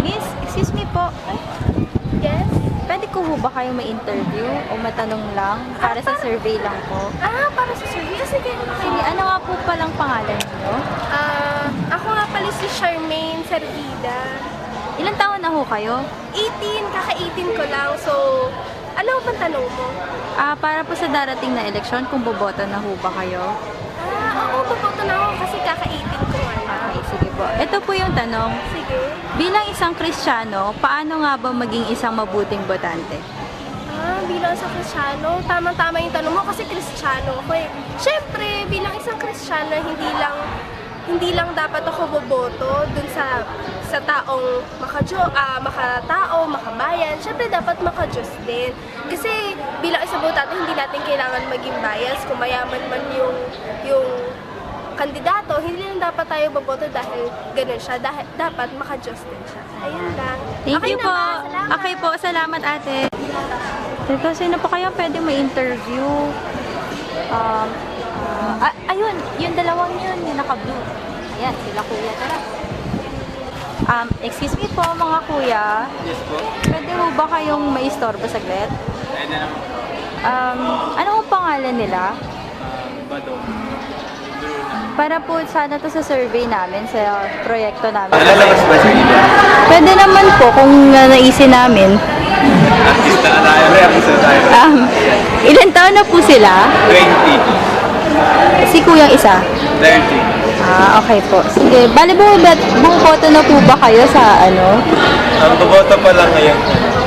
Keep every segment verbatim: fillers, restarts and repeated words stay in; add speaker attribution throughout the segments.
Speaker 1: Miss, excuse me po. Ay,
Speaker 2: Yes?
Speaker 1: pwede ko ho ba kayo ma-interview o matanong lang para sa survey lang po?
Speaker 2: Ah, para sa survey. Ah, sige.
Speaker 1: Sige, ano nga po palang pangalan niyo?
Speaker 2: Ah, ako nga pala si Charmaine Servida.
Speaker 1: Ilang taon na ho kayo?
Speaker 2: eighteen, kaka-eighteen ko lang. So, ano bang tanong mo?
Speaker 1: Ah, para po sa darating na eleksyon, kung boboto na ho ba kayo?
Speaker 2: Ah, oo, boboto na ako kasi kaka-eighteen ko nga lang.
Speaker 1: Okay, sige po. Ito po yung tanong.
Speaker 2: Sige.
Speaker 1: Bilang isang Kristiyano, paano nga ba maging isang mabuting botante?
Speaker 2: Ah, bilang isang Kristiyano, tamang-tama yung tanong mo kasi Kristiyano ako eh. Siyempre, bilang isang Kristiyano, hindi lang hindi lang dapat ako boboto dun sa sa taong makajo, ah, makatao, makabayan. Siyempre, dapat makajos din. Kasi bilang isang botante, hindi natin kailangan maging bias kung mayaman man yung yung kandidato, hindi lang dapat tayo boboto dahil ganun siya. Dahil, dapat makajos din siya. Ayun lang.
Speaker 1: Thank
Speaker 2: Okay
Speaker 1: you po.
Speaker 2: naman, salamat.
Speaker 1: Okay po, salamat ate. Teka, sino po kayo pwede ma-interview? Um, ah, ah, ayun, yung dalawang yun, yung naka-blue. Ayan, sila kuya, tara. Um, excuse me po mga kuya.
Speaker 3: Yes po.
Speaker 1: Pwede ho ba kayong maistorbo saglit?
Speaker 3: Pwede naman po.
Speaker 1: Um, ano ang pangalan nila?
Speaker 3: Uh, Badong.
Speaker 1: Para po sana to sa survey namin, sa proyekto namin.
Speaker 3: Nalalabas ba sa inyo?
Speaker 1: Pwede naman po kung uh, naisin namin.
Speaker 3: Artista na tayo. Artista na tayo.
Speaker 1: Um, ilan taon na po sila?
Speaker 3: twenty.
Speaker 1: Si kuyang isa?
Speaker 3: thirty.
Speaker 1: Ah, okay po. Sige, bali buo boto na po ba kayo sa ano?
Speaker 3: Ang boboto pa lang ngayon.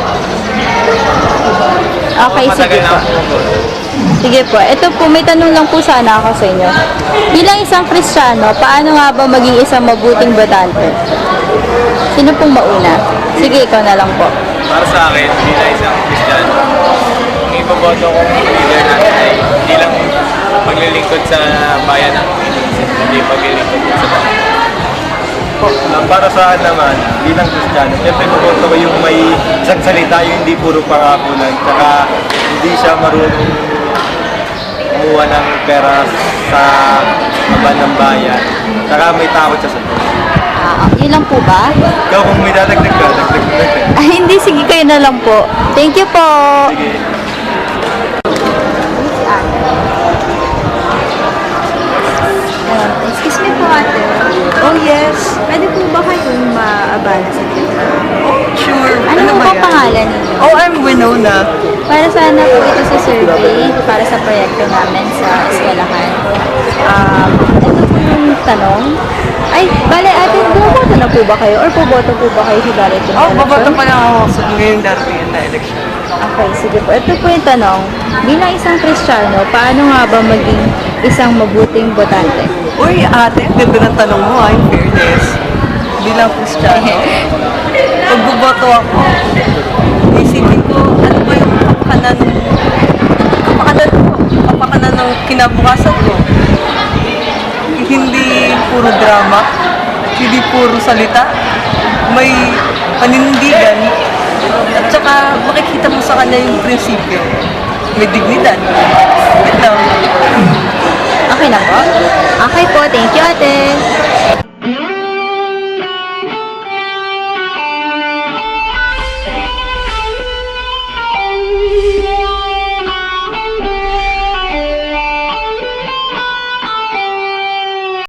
Speaker 1: Okay, sige
Speaker 3: Matagal na
Speaker 1: po.
Speaker 3: ako boboto.
Speaker 1: Sige po. Ito po, may tanong lang po sana ako sa inyo. Bilang isang Kristiyano, paano nga ba maging isang mabuting botante? Sino pong mauna? Sige, ikaw na lang po.
Speaker 3: Para sa akin, hindi na isang Kristiyano. Ang iboboto kong leader natin ay hindi lang maglilingkod sa bayan ng Pilipinas, hindi maglilingkod sa bayan.
Speaker 4: Uh, para sa akin naman, bilang Kristiyano, siyempre boboto ko yung may isang salita, yung hindi puro pangako lang, tsaka hindi siya marunong kumuha ng pera sa kaban ng bayan, tsaka may takot siya sa Diyos.
Speaker 1: Ah, yun lang po ba?
Speaker 4: Ikaw kung may dadagdag ka, dagdag mo dagdag.
Speaker 1: Ah, hindi, sige kayo na lang po. Thank you po.
Speaker 4: Sige.
Speaker 1: Um, excuse me po ate.
Speaker 5: Oh, yes.
Speaker 1: Pwede po ba kayong maabala sa dito?
Speaker 5: Oh, sure.
Speaker 1: Ano, po
Speaker 5: ba
Speaker 1: ba
Speaker 5: yan?
Speaker 1: pangalan ninyo?
Speaker 5: Oh, I'm Winona.
Speaker 1: Para sana po ito sa survey, para sa proyekto namin sa eskwelahan. Um, ito po yung tanong. Ay, bale ate, bumoboto na po ba kayo? Or puboto po ba kayo sa darating na
Speaker 5: Oh,
Speaker 1: eleksyon?
Speaker 5: babato pa lang ako sa ngayong darating na election.
Speaker 1: Okay, sige po. Ito po yung tanong. Bilang isang Kristiyano, paano nga ba maging isang mabuting botante?
Speaker 5: Uy, ate, ang ganda ng tanong mo, ah, in fairness. Bilang Kristiyano, pag buboto ako, isipin ko, ano ba yung kapakanan, kapakanan ko, kapakanan ng kinabukasan ko. Hindi puro drama, hindi puro salita, may panindigan, at saka makikita mo sa kanya yung prinsipyo. May dignidad. Ito.
Speaker 1: Okay na po? Okay po. Thank you, ate.